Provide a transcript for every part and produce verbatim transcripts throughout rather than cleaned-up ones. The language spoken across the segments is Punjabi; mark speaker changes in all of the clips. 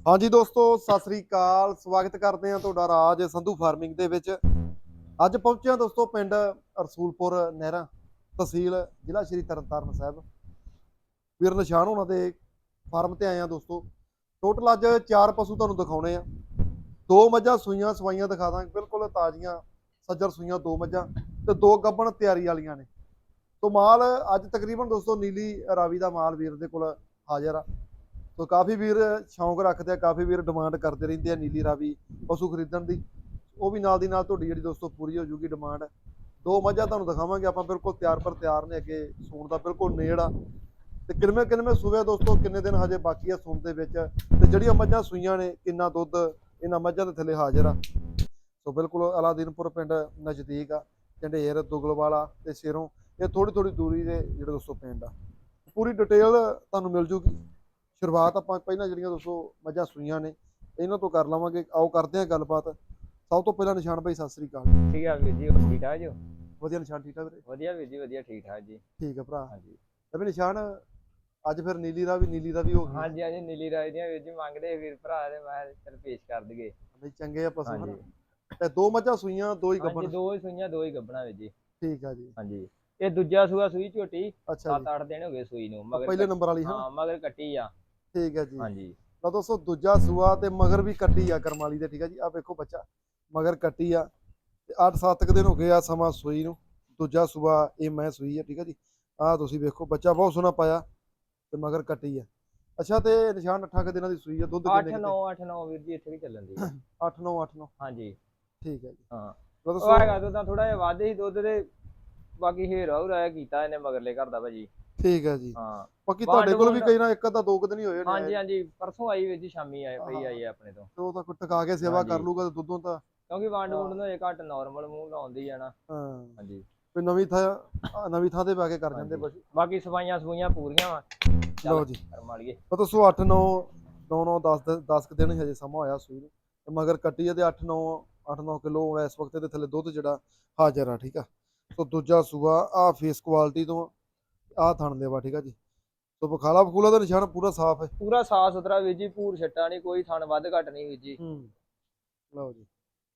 Speaker 1: हाँ जी दोस्तों सत श्री अकाल स्वागत करते हैं ਤੁਹਾਡਾ ਰਾਜ ਸੰਧੂ ਫਾਰਮਿੰਗ ਦੇ ਵਿੱਚ। ਅੱਜ ਪਹੁੰਚੇ ਹਾਂ ਦੋਸਤੋ ਪਿੰਡ ਰਸੂਲਪੁਰ ਨਹਿਰਾ, ਤਹਿਸੀਲ ਜ਼ਿਲ੍ਹਾ ਸ਼੍ਰੀ ਤਰਨਤਾਰਨ ਸਾਹਿਬ। ਵੀਰ ਨਿਸ਼ਾਨ ਹੋਣਾ ਦੇ ਫਾਰਮ ਤੇ ਆਏ ਆ ਦੋਸਤੋ। ਟੋਟਲ ਅੱਜ ਚਾਰ ਪਸ਼ੂ ਤੁਹਾਨੂੰ ਦਿਖਾਉਣੇ ਆ। ਦੋ ਮੱਝਾਂ ਸੂਈਆਂ ਸਵਾਈਆਂ ਦਿਖਾ ਦਾਂਗੇ, ਬਿਲਕੁਲ ਤਾਜ਼ੀਆਂ ਸੱਜਰ ਸੂਈਆਂ ਦੋ ਮੱਝਾਂ ਤੇ ਦੋ ਗੱਭਣ ਤਿਆਰੀ ਵਾਲੀਆਂ ਨੇ। तो माल अज तकरीबन दोस्तों नीली रावी का माल वीर दे कोल हाजिर आ। तो काफ़ी वीर शौक रखते हैं, काफ़ी वीर डिमांड करते रहते हैं नीली रावी पशु खरीदण की। वो भी नाल दी नाल तुहाडी जिहड़ी दोस्तों पूरी हो जूगी डिमांड। दो मझां तुहानूं दिखावांगे आपां, बिल्कुल तैयार पर तैयार ने, अगे सूण दा बिल्कुल नेड़ आ। ते किनमें किनमें सूवे दोस्तों, किन्ने दिन हजे बाकी है सूण दे विच, ते जिहड़ियां मझां सूईयां ने किन्ना दुੱਧ इन्हां मझां दे थल्ले हाजिर आ। तो बिल्कुल अलादीनपुर पिंड नज़दीक आ, झंडेर दुगलवाला ते सिरों ये थोड़ी थोड़ी दूरी ਦੇ ਜਿਹੜੇ ਦੋਸਤੋ ਪਿੰਡ ਆ। ਪੂਰੀ ਡਿਟੇਲ ਤੁਹਾਨੂੰ ਮਿਲ ਜੂਗੀ। ਸ਼ੁਰੂਆਤ ਆਪਾਂ ਪਹਿਲਾਂ ਜਿਹੜੀਆਂ ਦੋਸਤੋ ਮੱਝਾਂ ਸੂਈਆਂ ਨੇ ਇਹਨਾਂ ਤੋਂ ਕਰ ਲਵਾਂਗੇ। ਆਓ ਕਰਦੇ ਹਾਂ ਗੱਲਬਾਤ। ਸਭ ਤੋਂ ਪਹਿਲਾਂ ਨਿਸ਼ਾਨ ਭਾਈ ਸਤਿ ਸ੍ਰੀ ਅਕਾਲ।
Speaker 2: ਠੀਕ ਆ ਵੀਰ ਜੀ, ਠੀਕ ਠਾਕ ਜੀ?
Speaker 1: ਵਧੀਆ ਨਿਸ਼ਾਨ, ਠੀਕ ਠਾਕ ਵੀਰੇ?
Speaker 2: ਵਧੀਆ ਵੀਰ ਜੀ, ਵਧੀਆ ਠੀਕ ਠਾਕ ਜੀ।
Speaker 1: ਠੀਕ ਹੈ ਭਰਾ।
Speaker 2: ਹਾਂਜੀ
Speaker 1: ਤੇ ਵੀ ਨਿਸ਼ਾਨ ਅੱਜ ਫਿਰ ਨੀਲੀ ਦਾ ਵੀ ਨੀਲੀ ਦਾ ਵੀ ਹੋ ਗਿਆ।
Speaker 2: ਹਾਂਜੀ ਹਾਂਜੀ, ਨੀਲੀ ਰਾਜ ਦੀਆਂ ਵੀਰ ਜੀ ਮੰਗਦੇ ਵੀਰ ਭਰਾ ਦੇ, ਮੈਂ ਚਲ ਪੇਸ਼ ਕਰ ਦਈਏ।
Speaker 1: ਬਈ ਚੰਗੇ ਆ ਪਸ਼ੂ ਹਨ।
Speaker 2: ਹਾਂਜੀ
Speaker 1: ਤੇ ਦੋ ਮੱਝਾਂ ਸੂਈਆਂ ਦੋ ਹੀ
Speaker 2: ਹਾਂਜੀ,
Speaker 1: ਗੱਭਣ।
Speaker 2: ਦੋ ਹੀ ਸੂਈਆਂ ਦੋ ਹੀ ਗੱਭਣਾ ਵੀਰ ਜੀ।
Speaker 1: ਠੀਕ ਆ ਜੀ।
Speaker 2: ਹਾਂਜੀ, ਇਹ ਦੂਜਾ ਸੂਆ ਸੂਈ ਝੋਟੀ,
Speaker 1: ਅੱਛਾ
Speaker 2: ਸੱਤ ਅੱਠ ਦਿਨ ਹੋ ਗਏ ਸੂਈ ਨੂੰ। ਮਗਰ
Speaker 1: ਪਹਿਲੇ ਨੰਬਰ ਵਾਲੀ
Speaker 2: ਹਾਂ, ਮਗਰ ਕੱਟੀ ਆ।
Speaker 1: ਠੀਕ ਹੈ ਜੀ।
Speaker 2: ਹਾਂਜੀ
Speaker 1: ਤਾਂ ਦੋਸਤੋ ਦੂਜਾ ਸੂਆ ਤੇ ਮਗਰ ਵੀ ਕੱਟੀ ਆ ਕਰਮਾਲੀ ਦੇ। ਠੀਕ ਆ ਜੀ, ਆ ਵੇਖੋ ਬੱਚਾ ਮਗਰ ਕੱਟੀ ਆ ਤੇ ਅੱਠ ਸੱਤ ਕੁ ਦਿਨ ਹੋ ਗਏ ਆ ਸਮਾਂ ਸੂਈ ਨੂੰ। ਦੂਜਾ ਸੂਆ ਇਹ ਮੈਂ ਸੂਈ ਆ। ਠੀਕ ਆ ਜੀ, ਆਹ ਤੁਸੀਂ ਵੇਖੋ ਬੱਚਾ ਬਹੁਤ ਸੋਹਣਾ ਪਾਇਆ ਤੇ ਮਗਰ ਕੱਟੀ ਆ। ਅੱਛਾ, ਤੇ ਨਿਸ਼ਾਨ ਅੱਠਾਂ ਕੁ ਦਿਨਾਂ ਦੀ ਸੂਈ ਆ। ਦੁੱਧ
Speaker 2: ਅੱਠ ਨੌ ਅੱਠ ਨੌ ਵੀਰ ਜੀ ਇੱਥੇ ਵੀ ਚੱਲਣ ਦੀ
Speaker 1: ਅੱਠ ਨੌ ਅੱਠ ਨੌ।
Speaker 2: ਹਾਂਜੀ
Speaker 1: ਠੀਕ ਹੈ ਜੀ।
Speaker 2: ਹਾਂ,
Speaker 1: ਦੋਸਤੋ
Speaker 2: ਉਹ ਹੈਗਾ ਦੁੱਧ ਥੋੜਾ ਜਿਹਾ ਵੱਧ ਹੀ ਦੁੱਧ ਦੇ, ਬਾਕੀ ਹੀਰਾ ਹੁਰਾ ਕੀਤਾ ਇਹਨੇ ਮਗਰਲੇ ਘਰ ਦਾ ਭਾਜੀ।
Speaker 1: ਠੀਕ ਹੈ ਜੀ।
Speaker 2: ਹਾਂ,
Speaker 1: ਬਾਕੀ ਤੁਹਾਡੇ ਕੋਲ ਵੀ ਕਈ ਨਾ ਇੱਕ ਅੱਧਾ ਦੋ ਕੁ ਦਿਨ ਹੀ ਹੋਏ ਨੇ।
Speaker 2: ਹਾਂਜੀ ਹਾਂਜੀ, ਪਰਸੋਂ ਆਈ ਵੀਰ ਜੀ, ਸ਼ਾਮੀ ਆਏ ਪਈ ਆਈ ਹੈ ਆਪਣੇ ਤੋਂ।
Speaker 1: ਤੇ ਉਹ ਤਾਂ ਕੋਈ ਟਕਾ ਕੇ ਸੇਵਾ ਕਰ ਲੂਗਾ ਤੇ ਦੁੱਧੋਂ ਤਾਂ
Speaker 2: ਕਿਉਂਕਿ ਵੰਡ ਵੁੰਡ ਨੂੰ ਇਹ ਘੱਟ ਨਾਰਮਲ ਮੂੰਹ ਲਾਉਂਦੀ ਆ ਨਾ।
Speaker 1: ਹਾਂ,
Speaker 2: ਹਾਂਜੀ,
Speaker 1: ਕੋਈ ਨਵੀਂ ਥਾਂ ਨਵੀਂ ਥਾਂ ਤੇ ਪਾ ਕੇ ਕਰ ਜਾਂਦੇ ਪਸ਼ੂ।
Speaker 2: ਬਾਕੀ ਸਫਾਈਆਂ ਸਫੂਈਆਂ ਪੂਰੀਆਂ ਵਾ।
Speaker 1: ਲਓ ਜੀ,
Speaker 2: ਕਰਮ ਵਾਲੀਏ।
Speaker 1: ਤਾਂ ਦੋਸਤੋ ਅੱਠ ਨੌ ਨੌ ਨੌ ਦਸ ਦਸ ਕੁ ਦਿਨ ਹਜੇ ਸਮਾਂ ਹੋਇਆ ਸੂਈ ਨੂੰ ਤੇ ਮਗਰ ਕੱਟੀ ਆ ਤੇ ਅੱਠ ਨੌ ਅੱਠ ਨੌ ਕਿਲੋ ਇਸ ਵਕਤ ਦੇ ਥੱਲੇ ਦੁੱਧ ਜਿਹੜਾ ਹਾਜ਼ਰ ਆ। ਠੀਕ ਆ, ਸੋ ਦੂਜਾ ਸੂਆ ਆ ਫੇਸ ਕੁਆਲਿਟੀ ਤੋਂ ਆ ਥਣ ਦੇਵਾ। ਠੀਕ ਆ ਜੀ, ਸੋ ਬਖਾਲਾ ਬਖੂਲਾ ਦਾ ਨਿਸ਼ਾਨ ਪੂਰਾ ਸਾਫ਼ ਹੈ,
Speaker 2: ਪੂਰਾ ਸਾਫ ਸੁਥਰਾ ਵੀਰ ਜੀ, ਭੂਰ ਛੱਟਾ ਨਹੀਂ, ਕੋਈ ਥਣ ਵੱਧ ਘੱਟ ਨਹੀਂ ਵੀਰ ਜੀ।
Speaker 1: ਹੂੰ ਲਓ ਜੀ,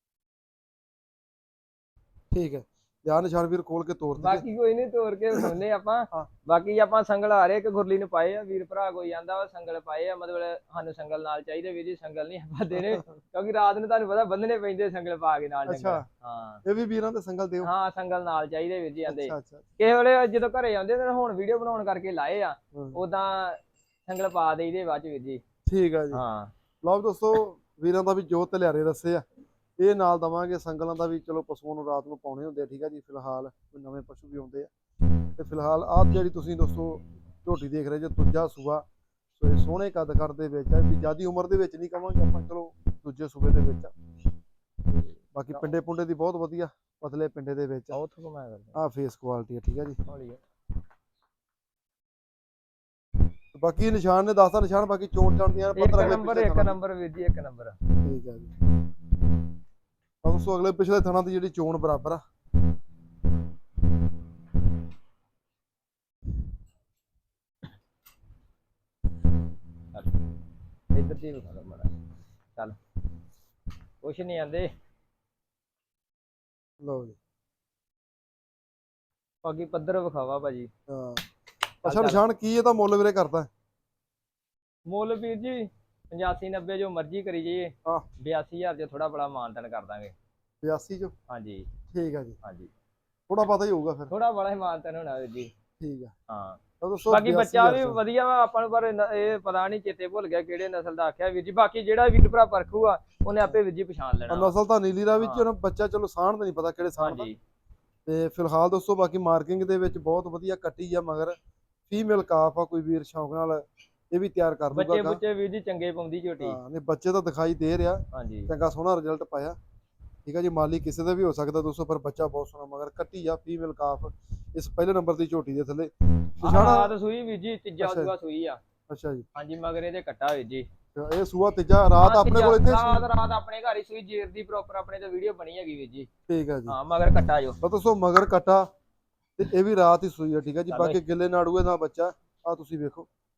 Speaker 1: ਠੀਕ ਹੈ। ਯਾਰ ਨਿਸ਼ਾਨ ਵੀਰ ਖੋਲ ਕੇ ਤੋੜ ਦੇ।
Speaker 2: ਬਾਕੀ ਕੋਈ ਨਹੀਂ, ਤੋੜ ਕੇ ਸੁਣਨੇ ਆਪਾਂ।
Speaker 1: ਹਾਂ,
Speaker 2: ਬਾਕੀ ਆਪਾਂ ਸੰਗਲ ਆ ਰਹੇ ਕਿ ਗੁਰਲੀ ਨੂੰ ਪਾਏ ਆ ਵੀਰ ਭਰਾ, ਕੋਈ ਆਂਦਾ ਵਾ ਸੰਗਲ ਪਾਏ ਆ, ਮਤਲਬ ਸਾਨੂੰ ਸੰਗਲ ਨਾਲ ਚਾਹੀਦੇ ਵੀਰ ਜੀ। ਸੰਗਲ ਨਹੀਂ ਆਪਾਂ ਦੇਣੇ, ਕਿਉਂਕਿ ਰਾਤ ਨੂੰ ਤੁਹਾਨੂੰ ਪਤਾ ਬੰਨਣੇ ਪੈਂਦੇ ਸੰਗਲ ਪਾ ਕੇ ਨਾਲ।
Speaker 1: ਅੱਛਾ,
Speaker 2: ਹਾਂ,
Speaker 1: ਇਹ ਵੀ ਵੀਰਾਂ ਦੇ ਸੰਗਲ ਦਿਓ।
Speaker 2: ਹਾਂ ਸੰਗਲ ਨਾਲ ਚਾਹੀਦੇ ਵੀਰ ਜੀ ਆਂਦੇ।
Speaker 1: ਅੱਛਾ ਅੱਛਾ,
Speaker 2: ਕਿਸੇ ਵੇਲੇ ਜਦੋਂ ਘਰੇ ਆਉਂਦੇ ਨੇ, ਹੁਣ ਵੀਡੀਓ ਬਣਾਉਣ ਕਰਕੇ ਲਾਏ ਆ,
Speaker 1: ਹੂੰ,
Speaker 2: ਉਦਾਂ ਸੰਗਲ ਪਾ ਦੇਈਦੇ ਬਾਅਦ ਚ ਵੀਰ ਜੀ।
Speaker 1: ਠੀਕ ਆ ਜੀ।
Speaker 2: ਹਾਂ,
Speaker 1: ਲਓ ਦੋਸਤੋ, ਵੀਰਾਂ ਦਾ ਵੀ ਜੋ ਧਲਿਆਰੇ ਦੱਸੇ ਆ ਇਹ ਨਾਲ ਦਵਾਂਗੇ। ਸੰਗਲਾਂ ਦਾ ਵੀ ਚਲੋ ਪਸ਼ੂਆਂ ਨੂੰ ਰਾਤ ਨੂੰ ਪਾਉਣੇ ਹੁੰਦੇ ਆ। ਠੀਕ ਆ ਜੀ, ਫਿਲਹਾਲ ਕੋਈ ਨਵੇਂ ਪਸ਼ੂ ਵੀ ਆਉਂਦੇ ਆ ਤੇ ਫਿਲਹਾਲ ਆਹ ਜਿਹੜੀ ਤੁਸੀਂ ਦੋਸਤੋ ਝੋਟੀ ਦੇਖ ਰਹੇ ਜੇ ਦੂਜਾ ਸੂਆ, ਸੋ ਇਹ ਸੋਹਣੇ ਕੱਦ ਕਰ ਦੇ ਵਿੱਚ ਆ। ਵੀ ਜ਼ਿਆਦੀ ਉਮਰ ਦੇ ਵਿੱਚ ਨਹੀਂ ਕਵਾਂਗੇ ਆਪਾਂ, ਚਲੋ ਦੂਜੇ ਸੂਬੇ ਦੇ ਵਿੱਚ ਆ। ਬਾਕੀ ਪਿੰਡੇ ਪੁੰਡੇ ਦੀ ਬਹੁਤ ਵਧੀਆ ਪਤਲੇ ਪਿੰਡੇ ਦੇ ਵਿੱਚ
Speaker 2: ਉਹ ਤੋਂ ਮੈਂ ਕਰਦਾ
Speaker 1: ਆ ਫੇਸ ਕੁਆਲਿਟੀ ਆ। ਠੀਕ ਆ ਜੀ,
Speaker 2: ਹੌਲੀ
Speaker 1: ਬਾਕੀ ਨਿਸ਼ਾਨ ਨੇ ਦੱਸਦਾ ਨਿਸ਼ਾਨ, ਬਾਕੀ ਚੋਣ ਚਾਣ ਦੀਆਂ
Speaker 2: ਇੱਕ ਨੰਬਰ ਇੱਕ ਨੰਬਰ ਵੀਰ ਜੀ, ਇੱਕ ਨੰਬਰ।
Speaker 1: ਠੀਕ ਆ ਜੀ। ਦੋਸਤੋ ਅਗਲੇ ਪਿਛਲੇ ਥਣਾਂ ਦੀ ਜਿਹੜੀ ਚੋਣ ਬਰਾਬਰ ਆ।
Speaker 2: ਇੱਧਰ ਦੀ ਵਿਖਾ ਲਓ ਮਾੜਾ, ਚੱਲ ਕੁਛ ਨਹੀਂ ਆਂਦੇ।
Speaker 1: ਲਓ ਜੀ,
Speaker 2: ਬਾਕੀ ਪੱਧਰ ਵਿਖਾਵਾ ਭਾਜੀ।
Speaker 1: ਹਾਂ ਅੱਛਾ ਨਿਸ਼ਾਨ ਕੀ ਇਹਦਾ ਮੁੱਲ ਵੀਰੇ ਕਰਦਾ?
Speaker 2: ਮੁੱਲ ਵੀਰ ਜੀ ਪਚਾਸੀ ਨੱਬੇ ਜੋ ਮਰਜ਼ੀ ਕਰੀ ਜਾਈਏ।
Speaker 1: ਹਾਂ,
Speaker 2: ਬਿਆਸੀ ਹਜ਼ਾਰ ਚ ਥੋੜਾ ਬੜਾ ਮਾਨਤਨ ਕਰ ਦਾਂਗੇ।
Speaker 1: ਬਿਆਸੀ ਚੋਂ?
Speaker 2: ਹਾਂਜੀ
Speaker 1: ਠੀਕ ਆ ਜੀ,
Speaker 2: ਹਾਂਜੀ,
Speaker 1: ਥੋੜਾ ਪਤਾ ਹੀ ਹੋਊਗਾ ਫਿਰ।
Speaker 2: ਥੋੜਾ ਬੜਾ ਹੀ ਮਾਨਤਨ ਹੋਣਾ ਵੀਰ ਜੀ।
Speaker 1: ਠੀਕ ਆ,
Speaker 2: ਹਾਂ,
Speaker 1: ਤਾਂ ਦੋਸਤੋ
Speaker 2: ਬਾਕੀ ਬੱਚਾ ਵੀ ਵਧੀਆ ਵਾ ਆਪਾਂ ਨੂੰ, ਪਰ ਇਹ ਪਤਾ ਨਹੀਂ ਚੇਤੇ ਭੁੱਲ ਗਿਆ ਕਿਹੜੇ ਨਸਲ ਦਾ ਆਖਿਆ ਵੀਰ ਜੀ। ਬਾਕੀ ਜਿਹੜਾ ਵੀਰ ਭਰਾ ਪਰਖੂਗਾ ਉਹਨੇ ਆਪੇ ਵੀਰ ਜੀ ਪਛਾਣ ਲੈਣਾ।
Speaker 1: ਨਸਲ ਤਾਂ ਨੀਲੀ ਦਾ ਵਿੱਚ ਬੱਚਾ, ਚਲੋ ਸਾਣ ਤਾਂ ਨਹੀਂ ਪਤਾ ਕਿਹੜੇ ਸਾਣ ਦਾ। ਤੇ ਫਿਲਹਾਲ ਦੋਸਤੋ ਬਾਕੀ ਮਾਰਕਿੰਗ ਦੇ ਵਿੱਚ ਬਹੁਤ ਵਧੀਆ ਕੱਟੀ ਆ। ਮਗਰ ਫੀਮੇਲ ਕਾਫ ਆ, ਕੋਈ ਵੀਰ ਸ਼ੌਂਕ ਨਾਲ ਇਹ ਵੀ ਤਿਆਰ ਕਰ ਦੂਗਾ।
Speaker 2: ਬੱਚੇ ਬੁੱਚੇ ਵੀਰ ਜੀ ਚੰਗੇ ਪਾਉਂਦੀ ਝੋਟੀ।
Speaker 1: ਹਾਂ ਨਹੀਂ, ਬੱਚੇ ਤਾਂ ਦਿਖਾਈ ਦੇ ਰਿਹਾ,
Speaker 2: ਹਾਂਜੀ
Speaker 1: ਚੰਗਾ ਸੋਹਣਾ ਰਿਜ਼ਲਟ ਪਾਇਆ। ਠੀਕ ਆ ਜੀ, ਮਾਲੀ ਕਿਸੇ ਦਾ ਵੀ ਹੋ ਸਕਦਾ ਦੋਸਤੋ, ਪਰ ਬੱਚਾ ਬਹੁਤ ਸੋਹਣਾ ਮਗਰ ਕੱਟੀ ਆ ਫੀਮੇਲ ਕਾਫ ਇਸ ਪਹਿਲੇ ਨੰਬਰ ਦੀ ਝੋਟੀ ਦੇ ਥੱਲੇ।
Speaker 2: ਰਾਤ ਸੂਈ ਵੀਰ ਜੀ, ਤੀਜਾ ਸੂਆ ਸੂਈ ਆ।
Speaker 1: ਅੱਛਾ ਜੀ,
Speaker 2: ਹਾਂਜੀ, ਮਗਰ ਇਹਦੇ ਕੱਟਾ ਵੀਰ ਜੀ।
Speaker 1: ਇਹ ਸੂਆ ਤੀਜਾ ਰਾਤ ਆਪਣੇ ਕੋਲ ਇੱਥੇ
Speaker 2: ਰਾਤ ਰਾਤ ਆਪਣੇ ਘਰ ਹੀ ਸੂਈ, ਜੇਰ ਦੀ ਪ੍ਰੋਪਰ ਆਪਣੇ ਤੇ ਵੀਡੀਓ ਬਣੀ ਹੈਗੀ ਵੀਰ ਜੀ।
Speaker 1: ਠੀਕ ਆ ਜੀ,
Speaker 2: ਹਾਂ ਮਗਰ ਕੱਟਾ ਜੋ
Speaker 1: ਦੋਸਤੋ ਮਗਰ ਕੱਟਾ ਤੇ ਇਹ ਵੀ ਰਾਤ ਹੀ ਸੂਈ ਆ। ਠੀਕ ਆ ਜੀ, ਬਾਕੀ ਗਿੱਲੇ ਨਾੜੂਏ ਦਾ ਬੱਚਾ ਆ ਤੁਸੀਂ ਵੇਖੋ,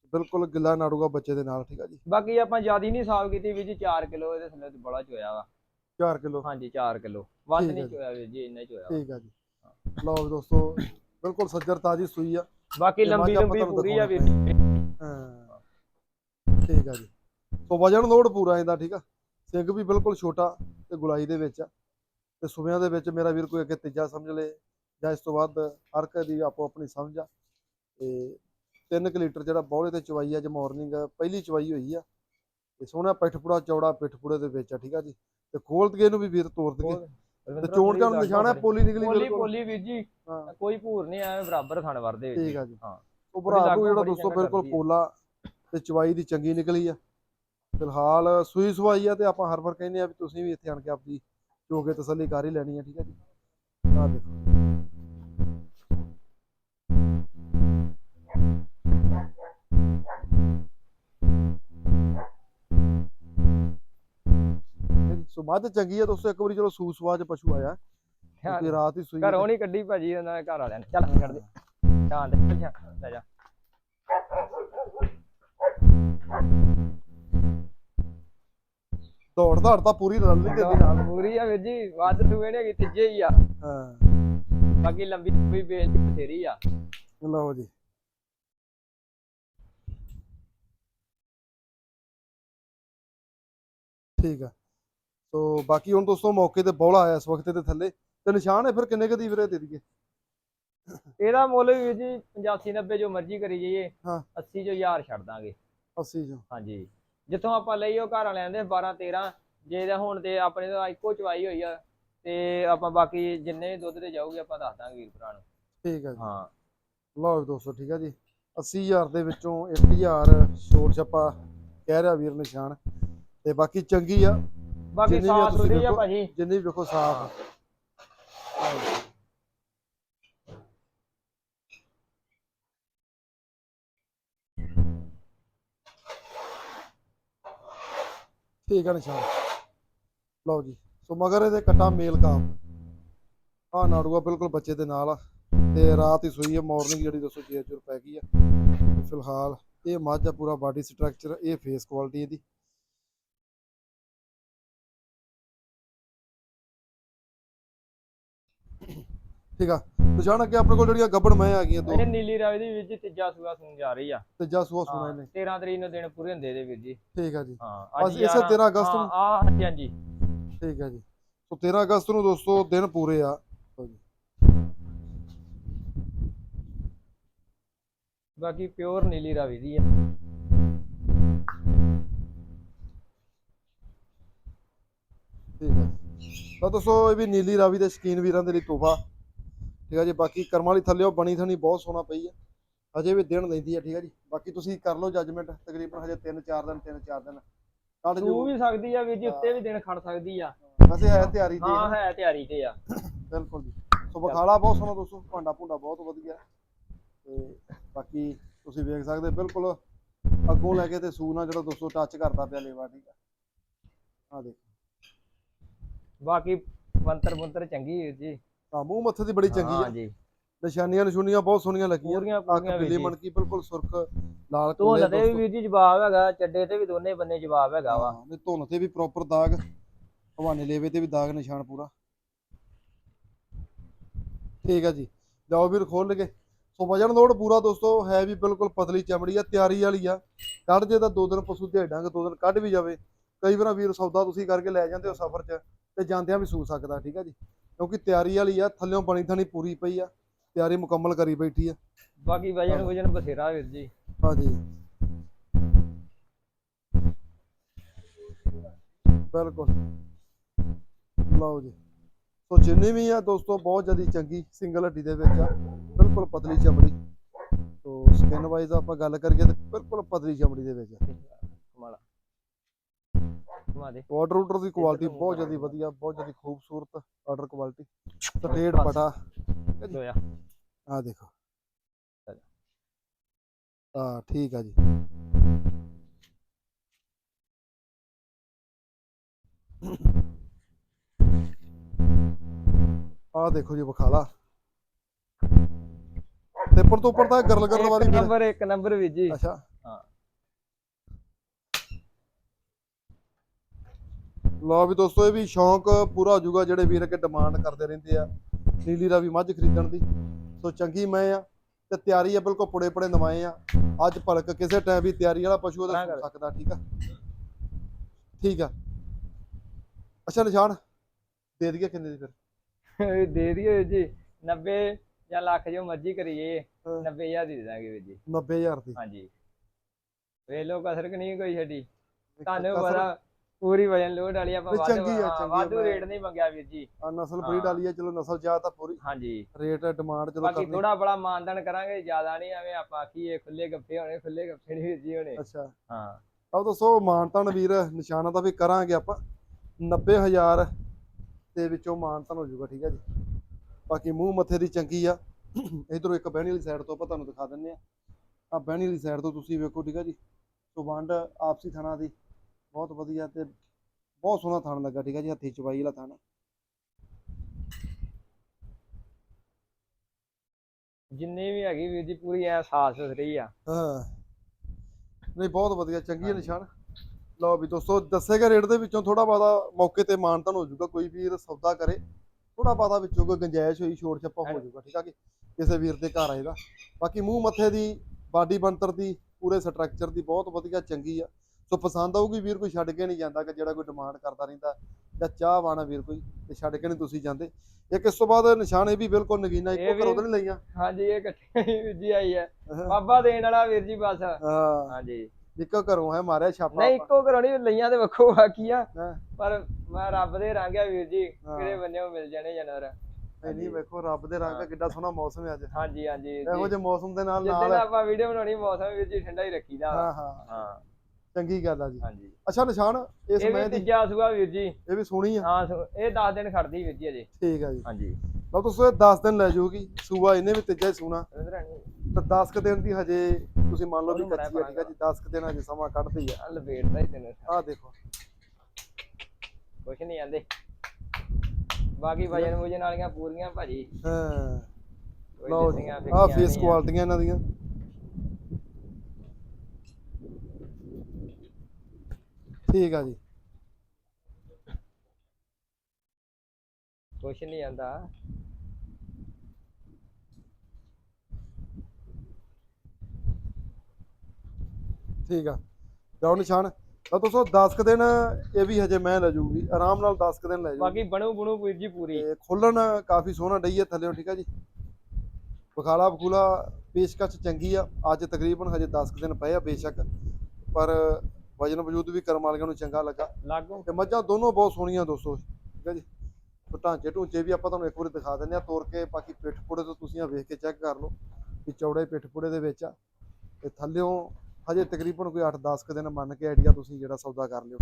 Speaker 1: ਬਿਲਕੁਲ ਗਿੱਲਾ ਨਾੜੂਗਾ ਬੱਚੇ ਦੇ ਨਾਲ, ਠੀਕ ਆ ਜੀ।
Speaker 2: ਬਾਕੀ ਆਪਾਂ ਜਿਆਦੀ ਨਹੀਂ ਸਾਫ ਕੀਤੀ ਵੀਰ ਜੀ, ਚਾਰ ਕਿਲੋ ਇਹਦੇ ਥੱਲੇ ਤੇ ਬੜਾ ਚੋਇਆ ਵਾ।
Speaker 1: ਚਾਰ ਕਿਲੋ
Speaker 2: ਹਾਂਜੀ ਚਾਰ ਕਿਲੋ, ਵੱਧ
Speaker 1: ਠੀਕ ਹੈ
Speaker 2: ਨਹੀਂ
Speaker 1: ਜੀ।
Speaker 2: ਚੋਇਆ ਵੀਰ ਜੀ, ਇੰਨਾ ਹੀ ਚੋਇਆ।
Speaker 1: ਠੀਕ ਆ ਜੀ। ਲਓ ਵੀ ਦੋਸਤੋ ਬਿਲਕੁਲ ਸੱਜਰ ਤਾਜੀ ਸੂਈ ਆ।
Speaker 2: ਬਾਕੀ
Speaker 1: ਤੇ
Speaker 2: ਲੰਬੀ
Speaker 1: ਮੱਝ ਆਪਾਂ
Speaker 2: ਲੰਬੀ
Speaker 1: ਤੁਹਾਨੂੰ
Speaker 2: ਪੂਰੀ ਆ ਵੀਰ
Speaker 1: ਦਿਖਾਉਣੀ
Speaker 2: ਜੀ।
Speaker 1: ਹਾਂ ਠੀਕ ਆ ਜੀ। ਸੋ ਵਜਨ ਲੋਡ ਪੂਰਾ ਇਹਦਾ, ਠੀਕ ਆ। ਸਿੰਘ ਵੀ ਬਿਲਕੁਲ ਛੋਟਾ ਤੇ ਗੁਲਾਈ ਦੇ ਵਿੱਚ ਆ। ਤੇ ਸੁਬਿਆਂ ਦੇ ਵਿੱਚ ਮੇਰਾ ਵੀਰ ਕੋਈ ਅੱਗੇ ਤੀਜਾ ਸਮਝ ਲੇ ਜਾਂ ਇਸ ਤੋਂ ਵੱਧ, ਹਰ ਇੱਕ ਦੀ ਆਪੋ ਆਪਣੀ ਸਮਝ ਆ। ਤੇ ਤਿੰਨ ਕੁ ਲੀਟਰ ਜਿਹੜਾ ਬੌਲੇ ਤੇ ਚਵਾਈ ਅੱਜ ਮਾਰਨਿੰਗ ਪਹਿਲੀ ਚਵਾਈ ਹੋਈ ਆ। ਤੇ ਸੋਹਣਾ ਪਿੱਠਪੂੜਾ ਚੌੜਾ ਪਿੱਠਪੂੜੇ ਦੇ ਵਿੱਚ ਆ, ਠੀਕ ਆ ਜੀ। ਤੇ ਖੋਲ ਕੇ ਇਹਨੂੰ ਵੀ ਵੀਰ ਤੋੜ ਦਈਏ। ਤੇ ਚੋਣ ਚਾਣ ਨਿਸ਼ਾਨ ਹੈ, ਪੋਲੀ ਨਿਕਲੀ
Speaker 2: ਪੋਲੀ
Speaker 1: ਬਿਲਕੁਲ।
Speaker 2: ਪੋਲੀ ਵੀਰ ਜੀ,
Speaker 1: ਹਾਂ
Speaker 2: ਕੋਈ ਭੂਰ ਨਹੀਂ ਐ, ਬਰਾਬਰ ਖਾਣ ਵਰਦੇ
Speaker 1: ਠੀਕ ਆ ਜੀ।
Speaker 2: ਹਾਂ
Speaker 1: ਉਹ ਭਰਾ ਨੂੰ ਜਿਹੜਾ
Speaker 2: ਬੜੀ
Speaker 1: ਦੋਸਤੋ
Speaker 2: ਚੰਗਾ
Speaker 1: ਬਿਲਕੁਲ
Speaker 2: ਕਰਦੀ ਆ।
Speaker 1: ਪੋਲਾ ਤੇ ਚਵਾਈ ਦੀ ਚੰਗੀ ਨਿਕਲੀ ਆ। ਫਿਲਹਾਲ ਸੂਈ ਸਵਾਈ ਆ ਤੇ ਆਪਾਂ ਹਰ ਵਾਰ ਕਹਿੰਦੇ ਆ ਵੀ ਤੁਸੀਂ ਵੀ ਇੱਥੇ ਆਣ ਕੇ ਆਪਦੀ ਜੋ ਕੇ ਤਸੱਲੀ ਕਰ ਹੀ ਲੈਣੀ ਆ, ਠੀਕ ਆ ਜੀ। ਆਹ ਦੇਖੋ ਸੋ ਮੱਝ ਚੰਗੀ ਆ ਦੋਸਤੋ। ਇੱਕ ਵਾਰੀ ਚਲੋ ਸੂ ਸਵਾਜ ਪਸ਼ੂ ਆਇਆ ਕਿਉਂਕਿ ਰਾਤ ਹੀ ਸੂਈ
Speaker 2: ਘਰੋਂ ਨਹੀਂ ਕੱਢੀ ਭਾਜੀ ਉਹਨਾਂ ਦੇ ਘਰ ਵਾਲਿਆਂ ਨੇ। ਚੱਲ ਛੱਡ ਦੇ, ਛਾਂ ਦੇ ਲੈ ਜਾ।
Speaker 1: ਦੌੜ ਦੌੜ ਤਾਂ ਪੂਰੀ ਰਲ ਲਈ ਦਿੰਦੀ ਨਾਲ।
Speaker 2: ਪੂਰੀ ਆ ਵੀਰ ਜੀ, ਵੱਧ ਸੂਏ ਨੇ ਕਿ ਤੀਜੇ ਹੀ ਆ।
Speaker 1: ਹਾਂ
Speaker 2: ਬਾਕੀ ਲੰਬੀ ਵੀ ਬੇਇੱਜ਼ਤੀ ਬਥੇਰੀ ਆ।
Speaker 1: ਲਓ ਜੀ। ਠੀਕ ਆ। ਸੋ ਬਾਕੀ ਹੁਣ ਦੋਸਤੋ ਮੌਕੇ ਤੇ ਬੌਲਾ ਆਇਆ ਇਸ ਵਕਤ ਦੇ ਥੱਲੇ ਤੇ ਨਿਸ਼ਾਨ ਹੈ ਫਿਰ ਕਿੰਨੇ ਕਦੀ ਵੀਰੇ ਦੇ ਦਈਏ?
Speaker 2: ਇਹਦਾ ਮੁੱਲ ਵੀਰ ਜੀ ਪਚਾਸੀ ਨੱਬੇ ਜੋ ਮਰਜ਼ੀ ਕਰੀ ਜਾਈਏ,
Speaker 1: ਹਾਂ
Speaker 2: ਅੱਸੀ ਜੋ ਹਜ਼ਾਰ ਛੱਡ ਦਾਂਗੇ।
Speaker 1: ਅੱਸੀ ਚੋਂ
Speaker 2: ਹਾਂਜੀ ਜਿੱਥੋਂ ਆਪਾਂ ਲਈ ਉਹ ਘਰ ਵਾਲਿਆਂ ਦੇ ਬਾਰਾਂ ਤੇਰਾਂ, ਜੇ ਇਹਦਾ ਹੁਣ ਤੇ ਆਪਣੇ ਤਾਂ ਇੱਕੋ ਚਵਾਈ ਹੋਈ ਆ ਤੇ ਆਪਾਂ ਬਾਕੀ ਜਿੰਨੇ ਦੁੱਧ ਤੇ ਜਾਊਗੀ ਆਪਾਂ ਦੱਸ ਦਾਂਗੇ ਵੀਰ ਭਰਾ ਨੂੰ।
Speaker 1: ਠੀਕ ਆ ਜੀ।
Speaker 2: ਹਾਂ
Speaker 1: ਲਓ ਦੋਸਤੋ ਠੀਕ ਆ ਜੀ। ਅੱਸੀ ਹਜ਼ਾਰ ਦੇ ਵਿੱਚੋਂ ਇੱਕ ਹਜ਼ਾਰ ਛੋੜ ਛੱਪਾ ਕਹਿ ਰਿਹਾ ਵੀਰ ਨਿਸ਼ਾਨ। ਤੇ ਬਾਕੀ ਚੰਗੀ ਆ,
Speaker 2: ਬਾਕੀ
Speaker 1: ਜਿੰਨੀ ਵੀ ਆ
Speaker 2: ਸਾਫ
Speaker 1: ਤੁਸੀਂ
Speaker 2: ਸੁਥਰੀ ਆ
Speaker 1: ਵੇਖੋ,
Speaker 2: ਭਾਜੀ।
Speaker 1: ਜਿੰਨੀ ਵੀ ਵੇਖੋ ਸਾਫ। ਠੀਕ ਆ ਨਿਸ਼ਾਨ। ਲਓ ਜੀ। ਸੋ ਮਗਰ ਇਹਦੇ ਕੱਟਾ ਮੇਲ ਕਾਪ ਆ ਨਾੜੂਆ ਬਿਲਕੁਲ ਬੱਚੇ ਦੇ ਨਾਲ ਆ। ਤੇ ਰਾਤ ਹੀ ਸੂਈ ਆ, ਮਾਰਨਿੰਗ ਜਿਹੜੀ ਦੋ ਸੌ ਛੇ ਚੁਰ ਪੈ ਗਈ ਆ। ਫਿਲਹਾਲ ਇਹ ਮੱਝ ਆ, ਪੂਰਾ ਬਾਡੀ ਸਟਰਕਚਰ, ਇਹ ਫੇਸ ਕੁਆਲਿਟੀ ਇਹਦੀ। ਠੀਕ ਆ। ਨਿਸ਼ਾਨ ਅੱਗੇ ਆਪਣੇ ਕੋਲ ਜਿਹੜੀਆਂ ਗੱਬੜ ਮੈਂ ਆ ਗਈਆਂ ਦੋ।
Speaker 2: ਇਹ ਨੀਲੀ ਰਾਵੀ ਦੀ ਵੀਰ ਜੀ ਤੀਜਾ ਸੂਆ ਸੂਣ ਜਾ ਰਹੀ ਆ।
Speaker 1: ਤੀਜਾ ਸੂਆ ਸੁਣਾ ਇਹਨੇ।
Speaker 2: ਤੇਰਾਂ ਤਰੀਕ ਨੂੰ ਦਿਨ ਪੂਰੇ ਹੁੰਦੇ ਇਹਦੇ ਵੀਰ ਜੀ।
Speaker 1: ਠੀਕ ਆ ਜੀ।
Speaker 2: ਹਾਂ
Speaker 1: ਬਸ ਇਸੇ ਤੇਰਾਂ ਅਗਸਤ ਨੂੰ।
Speaker 2: ਹਾਂ ਹਾਂਜੀ ਹਾਂਜੀ
Speaker 1: ਠੀਕ ਹੈ ਜੀ। ਸੋ ਤੇਰਾਂ ਅਗਸਤ ਨੂੰ ਦੋਸਤੋ ਦਿਨ ਪੂਰੇ ਆ।
Speaker 2: ਬਾਕੀ ਪਿਓਰ ਨੀਲੀ ਰਾਵੀ ਦੀ ਆ।
Speaker 1: ਠੀਕ ਹੈ ਤਾਂ ਦੋਸਤੋ ਇਹ ਵੀ ਨੀਲੀ ਰਾਵੀ ਦੇ ਸ਼ਕੀਨ ਵੀਰਾਂ ਦੇ ਲਈ ਤੋਹਫਾ, ਠੀਕ ਹੈ ਜੀ। ਬਾਕੀ ਕਰਮ ਵਾਲੀ ਥੱਲੇ ਬਣੀ ਥਣੀ ਬਹੁਤ ਸੋਹਣਾ ਪਈ ਆ, ਅਜੇ ਵੀ ਦਿਨ ਲੈਂਦੀ ਆ, ਠੀਕ ਹੈ ਜੀ। ਬਾਕੀ ਤੁਸੀਂ ਕਰ ਲਓ ਜੱਜਮੈਂਟ, ਤਕਰੀਬਨ ਹਜੇ ਤਿੰਨ ਚਾਰ ਦਿਨ ਤਿੰਨ ਚਾਰ ਦਿਨ ਕੱਢ
Speaker 2: ਤੂੰ
Speaker 1: ਜੂ
Speaker 2: ਵੀ ਸਕਦੀ ਆ ਵੀਰ ਜੀ, ਉੱਤੇ ਵੀ ਦਿਨ ਖੜ ਸਕਦੀ ਆ।
Speaker 1: ਵੈਸੇ ਹੈ ਤਿਆਰੀ ਤੇ।
Speaker 2: ਹਾਂ ਹੈ ਤਿਆਰੀ ਤੇ ਆ
Speaker 1: ਬਿਲਕੁਲ ਜੀ। ਸੋ ਬਖਾਲਾ ਬਹੁਤ ਸੋਹਣਾ ਦੋਸਤੋ, ਭਾਂਡਾ ਭੁੰਡਾ ਬਹੁਤ ਵਧੀਆ। ਤੇ ਬਾਕੀ ਤੁਸੀਂ ਵੇਖ ਸਕਦੇ ਬਿਲਕੁਲ ਅੱਗੋਂ ਲੈ ਕੇ ਤੇ ਸੂ ਨਾਲ ਜਿਹੜਾ ਦੋਸਤੋ ਟੱਚ ਕਰਦਾ ਪਿਆ ਲੇਵਾ, ਠੀਕ ਆ। ਆ ਦੇਖੋ
Speaker 2: ਬਾਕੀ ਬੰਤਰ ਬੰਤਰ ਚੰਗੀ ਵੀਰ ਜੀ।
Speaker 1: ਆ ਮੂੰਹ ਮੱਥੇ ਦੀ ਬੜੀ ਚੰਗੀ ਆ।
Speaker 2: ਹਾਂਜੀ
Speaker 1: ਨਿਸ਼ਾਨੀਆਂ ਨਿਸ਼ੂਨੀਆਂ ਬਹੁਤ ਸੋਹਣੀਆਂ ਲੱਗੀਆਂ।
Speaker 2: ਪੂਰੀਆਂ
Speaker 1: ਅੱਖ
Speaker 2: ਪੂਰੀਆਂ
Speaker 1: ਬਿੱਲੀ
Speaker 2: ਵੀਰ ਜੀ।
Speaker 1: ਮਣਕੀ ਬਿਲਕੁਲ ਸੁਰਖ ਲਾਲ
Speaker 2: ਧੁੰਨ
Speaker 1: ਕੋਲੇ
Speaker 2: ਤੇ ਵੀ ਵੀਰ ਜੀ ਜਵਾਬ ਹੈਗਾ, ਚੱਡੇ ਤੇ ਵੀ ਦੋਨੇ ਬੰਨੇ ਜਵਾਬ ਹੈਗਾ ਵਾ।
Speaker 1: ਹਾਂ ਤੇ ਧੁੰਨ ਤੇ ਵੀ ਪ੍ਰੋਪਰ ਦਾਗ, ਹਵਾਨੇ ਲੇਵੇ ਤੇ ਵੀ ਦਾਗ ਨਿਸ਼ਾਨ ਪੂਰਾ। ਠੀਕ ਆ ਜੀ। ਜਾਓ ਵੀਰ ਖੋਲ ਲਗੇ। ਸੋ ਵਜਨ ਲੋਡ ਪੂਰਾ ਦੋਸਤੋ ਹੈ ਵੀ ਬਿਲਕੁਲ ਪਤਲੀ ਚਮੜੀ ਆ, ਤਿਆਰੀ ਵਾਲੀ ਆ। ਕੱਢ ਜੇ ਤਾਂ ਦੋ ਦਿਨ ਪਸ਼ੂ ਦਿਹਾੜਾਂਗੇ, ਦੋ ਦਿਨ ਕੱਢ ਵੀ ਜਾਵੇ। ਕਈ ਵਾਰ ਵੀਰ ਸੌਦਾ ਤੁਸੀਂ ਕਰਕੇ ਲੈ ਜਾਂਦੇ ਹੋ ਸਫ਼ਰ 'ਚ ਤੇ ਜਾਂਦਿਆਂ ਵੀ ਸੂ ਸਕਦਾ, ਠੀਕ ਆ ਜੀ। ਕਿਉਂਕਿ ਤਿਆਰੀ ਵਾਲੀ ਆ, ਥੱਲਿਓਂ ਬਣੀ ਥਣੀ ਪੂਰੀ ਪਈ ਆ, ਤਿਆਰੀ ਮੁਕੰਮਲ ਕਰੀ ਬੈਠੀ ਆ।
Speaker 2: ਬਾਕੀ ਵਜਨ ਵਜਨ ਬਥੇਰਾ ਵੀਰ ਜੀ।
Speaker 1: ਹਾਂਜੀ ਬਿਲਕੁਲ। ਲਓ ਜੀ। ਸੋ ਜਿੰਨੀ ਵੀ ਆ ਦੋਸਤੋ ਬਹੁਤ ਜ਼ਿਆਦਾ ਚੰਗੀ ਸਿੰਗਲ ਹੱਡੀ ਦੇ ਵਿੱਚ ਆ, ਬਿਲਕੁਲ ਪਤਲੀ ਚਮੜੀ। ਸੋ ਸਕਿਨ ਵਾਈਜ਼ ਆਪਾਂ ਗੱਲ ਕਰੀਏ ਤਾਂ ਬਿਲਕੁਲ ਪਤਲੀ ਚਮੜੀ ਦੇ ਵਿੱਚ
Speaker 2: ਕਮਾਲਾ ਘੁਮਾ ਦੇ।
Speaker 1: ਆਰਡਰ ਆਰਡਰ ਦੀ ਕੁਆਲਿਟੀ ਬਹੁਤ ਜ਼ਿਆਦਾ ਵਧੀਆ, ਬਹੁਤ ਜ਼ਿਆਦਾ ਖੂਬਸੂਰਤ ਆਰਡਰ ਕੁਆਲਿਟੀ। ਸਟੇਟ ਪਟਾ
Speaker 2: ਦੋਇਆ
Speaker 1: ਆ ਦੇਖੋ। ਹਾਂ ਠੀਕ ਆ ਜੀ। ਆ ਦੇਖੋ ਜੀ ਬਖਾਲਾ ਤੇ ਉੱਪਰ ਤੋਂ ਉੱਪਰ ਤਾਂ ਗਰਲ ਗਰਲ ਵਾਲੀ
Speaker 2: ਨੰਬਰ ਇੱਕ ਨੰਬਰ ਵੀਰ ਜੀ।
Speaker 1: ਅੱਛਾ
Speaker 2: ਹਾਂ
Speaker 1: ਲਓ ਵੀ ਦੋਸਤੋ ਇਹ ਵੀ ਸ਼ੌਂਕ ਪੂਰਾ ਹੋ ਜਾਊਗਾ ਜਿਹੜੇ ਵੀਰ ਅੱਗੇ ਡਿਮਾਂਡ ਕਰਦੇ ਰਹਿੰਦੇ ਆ ਨੀਲੀ ਰਾਵੀ ਮੱਝ ਖਰੀਦਣ ਦੀ। ਸੋ ਚੰਗੀ ਮੈਂ ਆ ਤੇ ਤਿਆਰੀ ਆ ਬਿਲਕੁਲ ਪੁੜੇ ਪੁੜੇ ਨਵਾਏ ਆ। ਅੱਜ ਭਲਕ ਕਿਸੇ ਟਾਈਮ ਵੀ ਤਿਆਰੀ ਵਾਲਾ ਪਸ਼ੂ ਉਹਦਾ ਸੁਣ ਸਕਦਾ। ਠੀਕ ਆ ਠੀਕ ਆ। ਅੱਛਾ ਨਿਸ਼ਾਨ ਦੇ ਦਈਏ ਕਿੰਨੇ ਦੀ ਫਿਰ?
Speaker 2: ਦੇ ਦਈਏ ਜੀ ਨੱਬੇ ਜਾਂ ਲੱਖ ਜੋ ਮਰਜ਼ੀ ਕਰੀਏ, ਨੱਬੇ ਹਜ਼ਾਰ ਦੀ ਦੇ ਦਾਂਗੇ ਵੀਰ ਜੀ।
Speaker 1: ਨੱਬੇ ਹਜ਼ਾਰ ਦੀ?
Speaker 2: ਹਾਂਜੀ ਵੇਖ ਲਓ ਕਸਰ ਕਿ ਨਹੀਂ ਕੋਈ ਛੱਡੀ। ਤੁਹਾਨੂੰ ਪਤਾ ਪੂਰੀ ਵਜਨ ਲੋਡ ਵਾਲੀ ਆਪਾਂ ਵਾਧੂ ਰੇਟ ਨਹੀਂ ਮੰਗਿਆ ਵੀਰ ਜੀ।
Speaker 1: ਆ ਨਸਲ ਬਰੀਡ ਵਾਲੀ ਆ, ਚਲੋ ਨਸਲ ਜਾ ਤਾਂ ਪੂਰੀ।
Speaker 2: ਹਾਂਜੀ
Speaker 1: ਰੇਟ ਡਿਮਾਂਡ ਚਲੋ
Speaker 2: ਬਾਕੀ ਥੋੜਾ ਬੜਾ ਮਾਨਦਾਨ ਕਰਾਂਗੇ, ਜ਼ਿਆਦਾ ਨਹੀਂ ਐਵੇਂ ਆਪਾਂ ਆਖੀਏ ਖੁੱਲੇ ਗੱਫੇ ਹੋਣੇ ਖੁੱਲੇ ਗੱਫੇ ਨਹੀਂ ਵੀਰ ਜੀ ਹੋਣੇ।
Speaker 1: ਅੱਛਾ
Speaker 2: ਹਾਂ
Speaker 1: ਆਹ ਦੱਸੋ ਮਾਨਤਾਨ ਵੀਰ ਨਿਸ਼ਾਨਾਂ ਦਾ ਵੀ ਕਰਾਂਗੇ ਆਪਾਂ ਨੱਬੇ ਹਜ਼ਾਰ ਦੇ ਵਿੱਚੋਂ ਮਾਨਤਾਨ ਹੋ ਜਾਊਗਾ। ਠੀਕ ਹੈ ਜੀ। ਬਾਕੀ ਮੂੰਹ ਮੱਥੇ ਦੀ ਚੰਗੀ ਆ। ਇਧਰੋਂ ਇੱਕ ਬਹਿਣੀ ਵਾਲੀ ਸਾਈਡ ਤੋਂ ਆਪਾਂ ਤੁਹਾਨੂੰ ਦਿਖਾ ਦਿੰਦੇ ਆ। ਆ ਬਹਿਣੀ ਵਾਲੀ ਸਾਈਡ ਤੋਂ ਤੁਸੀਂ ਵੇਖੋ। ਠੀਕ ਹੈ ਜੀ। ਸੋ ਵੰਡ ਆਪਸੀ ਥਣਾ ਦੀ ਬਹੁਤ ਵਧੀਆ ਤੇ ਬਹੁਤ ਸੋਹਣਾ ਥਣ ਲੱਗਾ। ਠੀਕ ਹੈ ਜੀ। ਹੱਥੀ ਚਵਾਈ ਵਾਲਾ ਥਣ
Speaker 2: ਜਿੰਨੀ ਵੀ ਹੈਗੀ ਵੀਰ ਜੀ ਪੂਰੀ ਐ ਸਾਫ ਸੁਥਰੀ ਆ।
Speaker 1: ਹਾਂ ਨਹੀਂ ਬਹੁਤ ਵਧੀਆ ਚੰਗੀ ਹੈ ਨਿਸ਼ਾਨ। ਲਓ ਵੀ ਦੋਸਤੋ ਦੱਸੇ ਗਏ ਰੇਟ ਦੇ ਵਿੱਚੋਂ ਥੋੜਾ ਬਹੁਤਾ ਮੌਕੇ ਤੇ ਮਾਨਤਾਨ ਹੋ ਜਾਊਗਾ। ਕੋਈ ਵੀਰ ਸੌਦਾ ਕਰੇ ਥੋੜਾ ਬਹੁਤਾ ਵਿੱਚੋਂ ਕੋਈ ਗੁੰਜਾਇਸ਼ ਹੋਈ ਛੋੜ ਛੱਪਾ ਹੋ ਜਾਊਗਾ। ਠੀਕ ਆ ਕਿ ਕਿਸੇ ਵੀਰ ਦੇ ਘਰ ਆਏਗਾ। ਬਾਕੀ ਮੂੰਹ ਮੱਥੇ ਦੀ ਬਾਡੀ ਬਣਤਰ ਦੀ ਪੂਰੇ ਸਟਰਕਚਰ ਦੀ ਬਹੁਤ ਵਧੀਆ ਚੰਗੀ ਆ। ਸੋ ਪਸੰਦ ਆਊਗੀ ਵੀਰ ਕੋਈ ਛੱਡ ਕੇ ਨਹੀਂ ਜਾਂਦਾ ਕਿ ਜਿਹੜਾ ਕੋਈ ਡਿਮਾਂਡ ਕਰਦਾ ਰਹਿੰਦਾ ਜਾਂ ਚਾਹ ਵਾਣਾ ਵੀਰ ਕੋਈ ਤੇ ਛੱਡ ਕੇ ਨਹੀਂ ਤੁਸੀਂ ਜਾਂਦੇ। ਇੱਕ ਇਸ ਤੋਂ ਬਾਅਦ ਨਿਸ਼ਾਨ ਇਹ ਵੀ ਬਿਲਕੁਲ ਨਗੀਨਾ ਇੱਕੋ ਘਰੋਂ ਤਾਂ ਨਹੀਂ ਲਈਆਂ?
Speaker 2: ਹਾਂਜੀ ਇਹ ਇਕੱਠੇ ਵੀਰ ਜੀ ਆਈ ਹੈ ਬਾਬਾ ਦੇਣ ਵਾਲਾ ਵੀਰ ਜੀ ਬਸ।
Speaker 1: ਹਾਂ
Speaker 2: ਹਾਂਜੀ
Speaker 1: ਇੱਕੋ ਘਰੋਂ ਹੈ ਮਾਰਿਆ ਛਾਪਾ?
Speaker 2: ਨਹੀਂ ਇੱਕੋ ਘਰੋਂ ਨਹੀਂ ਲਈਆਂ ਤੇ ਵੱਖੋ ਬਾਕੀ ਆ ਪਰ ਮੈਂ ਰੱਬ ਦੇ ਰੰਗ ਆ ਵੀਰ ਜੀ ਕਿਹੜੇ ਬੰਨਿਓ ਮਿਲ ਜਾਣੇ ਜਾਨਵਰ।
Speaker 1: ਨਹੀਂ ਵੇਖੋ ਰੱਬ ਦੇ ਰੰਗ ਕਿੱਡਾ ਸੋਹਣਾ ਮੌਸਮ ਹੈ ਅੱਜ।
Speaker 2: ਹਾਂਜੀ ਹਾਂਜੀ
Speaker 1: ਇਹੋ ਜਿਹੇ ਮੌਸਮ ਦੇ ਨਾਲ
Speaker 2: ਨਾਲ ਆਪਾਂ ਵੀਡੀਓ ਬਣਾਉਣੀ ਮੌਸਮ ਵੀਰ ਜੀ ਠੰਡਾ ਹੀ ਰੱਖੀਦਾ।
Speaker 1: ਹਾਂ ਹਾਂ ਹਾਂ ਚੰਗੀ ਗੱਲ ਆ ਜੀ।
Speaker 2: ਹਾਂਜੀ
Speaker 1: ਅੱਛਾ ਨਿਸ਼ਾਨ ਇਸ
Speaker 2: ਮੈਂ ਦੀ ਤੀਜਾ ਸੂਆ ਵੀਰ ਜੀ
Speaker 1: ਇਹ ਵੀ ਸੋਹਣੀ ਆ।
Speaker 2: ਹਾਂ ਇਹ ਦਸ ਦਿਨ ਖੜਦੀ ਵੀਰ ਜੀ ਅਜੇ।
Speaker 1: ਠੀਕ ਆ ਜੀ।
Speaker 2: ਹਾਂਜੀ
Speaker 1: ਲਓ ਤੁਸੀਂ ਇਹ ਦਸ ਦਿਨ ਲੈ ਜਾਊਗੀ ਸੂਆ ਇਹਨੇ ਵੀ ਤੀਜਾ ਹੀ ਸੂਣਾ ਤਾਂ ਦਸ ਕੁ ਦਿਨ ਦੀ ਹਜੇ ਤੁਸੀਂ ਮੰਨ ਲਓ ਵੀ ਕੱਚੀ ਆ। ਠੀਕ ਆ ਜੀ। ਦਸ ਕੁ ਦਿਨ ਹਜੇ ਸਮਾਂ ਕੱਢਦੀ ਆ।
Speaker 2: ਲਪੇਟਦਾ ਹੀ ਤੈਨੂੰ
Speaker 1: ਆਹ ਦੇਖੋ
Speaker 2: ਕੁਛ ਨਹੀਂ ਆਂਦੇ ਬਾਕੀ ਵਜਨ ਵਜਨ ਵਾਲੀਆਂ ਪੂਰੀਆਂ ਭਾਜੀ।
Speaker 1: ਹਾਂ ਲਓ ਜੀ ਆਹ ਫੇਸ ਕੁਆਲਟੀਆਂ ਇਹਨਾਂ ਦੀਆਂ ਠੀਕ ਆ ਜੀ।
Speaker 2: ਕੁਛ ਨਹੀਂ ਆਂਦਾ
Speaker 1: ਠੀਕ ਆ। ਜਾਓ ਨਿਸ਼ਾਨ ਤਾਂ ਦੋਸਤੋ ਦਸ ਕੁ ਦਿਨ ਇਹ ਵੀ ਹਜੇ ਮੈਂ ਲੈ ਜਾਊਗੀ ਆਰਾਮ ਨਾਲ। ਦਸ ਕੁ ਦਿਨ ਲੈ ਜਾਊਗੀ।
Speaker 2: ਬਾਕੀ ਬਣੂ ਬਣੂ ਵੀਰ ਜੀ ਪੂਰੀ
Speaker 1: ਖੁੱਲਣ ਕਾਫੀ ਸੋਹਣਾ ਡਈ ਹੈ ਥੱਲੇ। ਠੀਕ ਆ ਜੀ। ਬਖਾਲਾ ਬਖੂਲਾ ਪੇਸ਼ਕਸ਼ ਚੰਗੀ ਆ। ਅੱਜ ਤਕਰੀਬਨ ਹਜੇ ਦਸ ਕੁ ਦਿਨ ਪਏ ਆ ਬੇਸ਼ੱਕ ਪਰ ਵਜਨ ਵਜੂਦ ਵੀ ਕਰਮ ਵਾਲਿਆਂ ਨੂੰ ਚੰਗਾ ਲੱਗਾ
Speaker 2: ਲਾਗੋ
Speaker 1: ਤੇ ਮੱਝਾਂ ਦੋਨੋਂ ਬਹੁਤ ਸੋਹਣੀਆਂ ਦੋਸਤੋ। ਠੀਕ ਆ ਜੀ। ਢਾਂਚੇ ਢੂੰਚੇ ਵੀ ਆਪਾਂ ਤੁਹਾਨੂੰ ਇੱਕ ਵਾਰੀ ਦਿਖਾ ਦਿੰਦੇ ਆ ਤੋੜ ਕੇ। ਬਾਕੀ ਪਿੱਠ ਪੁੜੇ ਤੋਂ ਤੁਸੀਂ ਆ ਵੇਖ ਕੇ ਚੈੱਕ ਕਰ ਲਓ ਵੀ ਚੌੜੇ ਪਿੱਠ ਪੁੜੇ ਦੇ ਵਿੱਚ ਆ ਤੇ ਥੱਲਿਓਂ ਹਜੇ ਤਕਰੀਬਨ ਕੋਈ ਅੱਠ ਦਸ ਕੁ ਦਿਨ ਮੰਨ ਕੇ ਆਈਡੀਆ ਤੁਸੀਂ ਜਿਹੜਾ ਸੌਦਾ ਕਰ ਲਿਓ।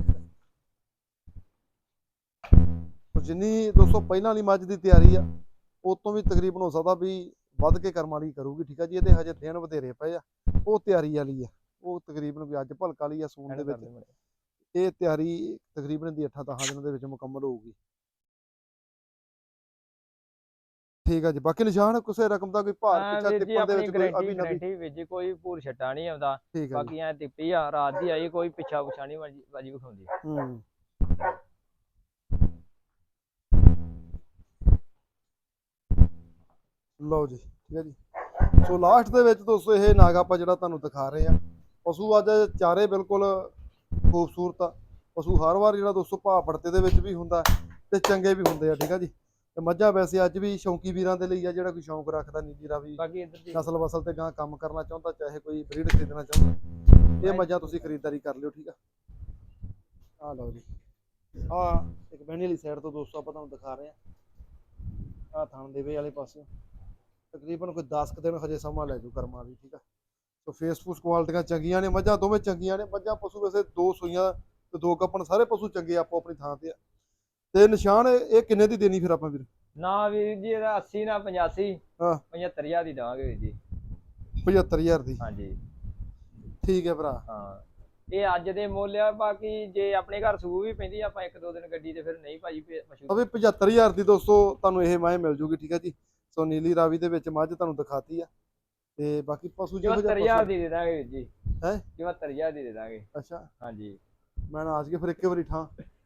Speaker 1: ਜਿੰਨੀ ਦੋਸਤੋ ਪਹਿਲਾਂ ਵਾਲੀ ਮੱਝ ਦੀ ਤਿਆਰੀ ਆ ਉਹ ਤੋਂ ਵੀ ਤਕਰੀਬਨ ਹੋ ਸਕਦਾ ਵੀ ਵੱਧ ਕੇ ਕਰਮ ਵਾਲੀ ਕਰੂਗੀ। ਠੀਕ ਆ ਜੀ। ਇਹਦੇ ਹਜੇ ਦਿਨ ਵਧੇਰੇ ਪਏ ਆ। ਉਹ ਤਿਆਰੀ ਵਾਲੀ ਆ ਉਹ ਤਕਰੀਬਨ ਵੀ ਅੱਜ ਭਲਕ ਵਾਲੀ ਆ ਸੂਣ ਦੇ ਵਿੱਚ। ਇਹ ਤਿਆਰੀ ਤਕਰੀਬਨ ਦੀ ਅੱਠਾਂ ਦਸਾਂ ਦਿਨਾਂ ਦੇ ਵਿੱਚ ਮੁਕੰਮਲ ਹੋਊਗੀ। ਠੀਕ ਆ ਜੀ। ਬਾਕੀ ਨਿਸ਼ਾਨ ਕਿਸੇ ਰਕਮ ਦਾ ਕੋਈ ਭਾਰ ਪਿੱਛਾ ਟਿੱਪਣ ਦੇ ਵਿੱਚ ਕੋਈ ਅਭੀ ਨਬੀ
Speaker 2: ਵਿੱਚ ਕੋਈ ਭੂਰ ਛੱਟਾ ਨਹੀਂ ਆਉਂਦਾ। ਬਾਕੀ ਐ ਟਿੱਪੀ ਆ ਰਾਤ ਦੀ ਆਈ ਕੋਈ ਪਿੱਛਾ ਪੁਛਾ ਨਹੀਂ ਬਾਜੀ ਵਿਖਾਉਂਦੀ।
Speaker 1: ਹੂੰ ਲਓ ਜੀ। ਠੀਕ ਹੈ ਜੀ। ਸੋ ਲਾਸਟ ਦੇ ਵਿੱਚ ਦੋਸਤੋ ਇਹ ਨਾਗ ਆਪਾਂ ਜਿਹੜਾ ਤੁਹਾਨੂੰ ਦਿਖਾ ਰਹੇ ਆ ਪਸ਼ੂ ਅੱਜ ਚਾਰੇ ਬਿਲਕੁਲ ਖੂਬਸੂਰਤ ਆ। ਪਸ਼ੂ ਹਰ ਵਾਰ ਜਿਹੜਾ ਦੋਸਤੋ ਭਾਅ ਪੜਤੇ ਦੇ ਵਿੱਚ ਵੀ ਹੁੰਦਾ ਤੇ ਚੰਗੇ ਵੀ ਹੁੰਦੇ ਆ। ਠੀਕ ਆ ਜੀ। ਤੇ ਮੱਝਾਂ ਵੈਸੇ ਅੱਜ ਵੀ ਸ਼ੌਂਕੀ ਵੀਰਾਂ ਦੇ ਲਈ ਆ ਜਿਹੜਾ ਕੋਈ ਸ਼ੌਂਕ ਰੱਖਦਾ ਨੀਲੀ ਰਾਵੀ ਨਸਲ ਵਸਲ ਤੇ ਗਾਂ ਕੰਮ ਕਰਨਾ ਚਾਹੁੰਦਾ ਚਾਹੇ ਕੋਈ ਬਰੀਡ ਖਰੀਦਣਾ ਚਾਹੁੰਦਾ ਇਹ ਮੱਝਾਂ ਤੁਸੀਂ ਖਰੀਦਦਾਰੀ ਕਰ ਲਿਓ। ਠੀਕ ਆ। ਆ ਲਓ ਜੀ। ਆ ਇੱਕ ਬਹਿਣੀ ਵਾਲੀ ਸਾਈਡ ਤੋਂ ਦੋਸਤੋ ਆਪਾਂ ਤੁਹਾਨੂੰ ਦਿਖਾ ਰਹੇ ਆ। ਆ ਥਣ ਦੇਵੇ ਵਾਲੇ ਪਾਸੇ ਤਕਰੀਬਨ ਕੋਈ ਦਸ ਕੁ ਦਿਨ ਹਜੇ ਸਮਾਂ ਲੈ ਜੂ ਕਰਮਾਂ ਦੀ। ਠੀਕ ਆ। ਸੋ ਫੇਸ ਫੂਸ ਕੁਆਲਿਟੀਆਂ ਚੰਗੀਆਂ ਨੇ ਮੱਝਾਂ ਦੋਵੇਂ ਚੰਗੀਆਂ ਨੇ। ਮੱਝਾਂ ਪਸ਼ੂ ਵੈਸੇ ਦੋ ਸੂਈਆਂ ਤੇ ਦੋ ਕੱਪਣ ਸਾਰੇ ਪਸ਼ੂ ਚੰਗੇ ਆਪੋ ਆਪਣੀ ਥਾਂ ਤੇ ਆ। ਤੇ ਨਿਸ਼ਾਨ ਇਹ ਕਿੰਨੇ ਦੀ ਦੇਣੀ ਫਿਰ ਆਪਾਂ ਵੀਰ?
Speaker 2: ਨਾ ਵੀਰ ਜੀ ਇਹਦਾ ਅੱਸੀ ਨਾ ਪਚਾਸੀ
Speaker 1: ਹਾਂ
Speaker 2: ਪਝੱਤਰ ਹਜ਼ਾਰ ਦੀ ਦੇਵਾਂਗੇ ਵੀਰ ਜੀ।
Speaker 1: ਪਝੱਤਰ ਹਜ਼ਾਰ ਦੀ?
Speaker 2: ਹਾਂਜੀ
Speaker 1: ਠੀਕ ਹੈ ਭਰਾ।
Speaker 2: ਹਾਂ ਇਹ ਅੱਜ ਦੇ ਮੁੱਲ ਆ। ਬਾਕੀ ਜੇ ਆਪਣੇ ਘਰ ਸੂ ਵੀ ਪੈਂਦੀ ਆਪਾਂ ਇੱਕ ਦੋ ਦਿਨ ਗੱਡੀ ਤੇ ਫਿਰ ਨਹੀਂ ਭਾਜੀ ਪਸ਼ੂ
Speaker 1: ਅਵੇ ਪਝੱਤਰ ਹਜ਼ਾਰ ਦੀ ਦੋਸਤੋ ਤੁਹਾਨੂੰ ਇਹ ਮਾਏ ਮਿਲ ਜੂਗੀ। ਠੀਕ ਹੈ ਜੀ। ਸੋ ਨੀਲੀ ਰਾਵੀ ਦੇ ਵਿੱਚ ਮੱਝ ਤੁਹਾਨੂੰ ਦਿਖਾਤੀ ਆ ਤੇ ਬਾਕੀ ਪਸ਼ੂ ਜਿਹੋ
Speaker 2: ਚੁਹੱਤਰ ਹਜ਼ਾਰ ਦੀ ਦੇ ਦਾਂਗੇ ਵੀਰ ਜੀ।
Speaker 1: ਹੈ
Speaker 2: ਚੁਹੱਤਰ ਹਜ਼ਾਰ ਦੀ ਦੇ ਦਾਂਗੇ।
Speaker 1: ਅੱਛਾ
Speaker 2: ਹਾਂਜੀ
Speaker 1: ਮੈਂ ਨਾ ਅੱਜ ਕੇ ਫਿਰ ਇੱਕੇ ਵਾਰੀ ਠਾਂ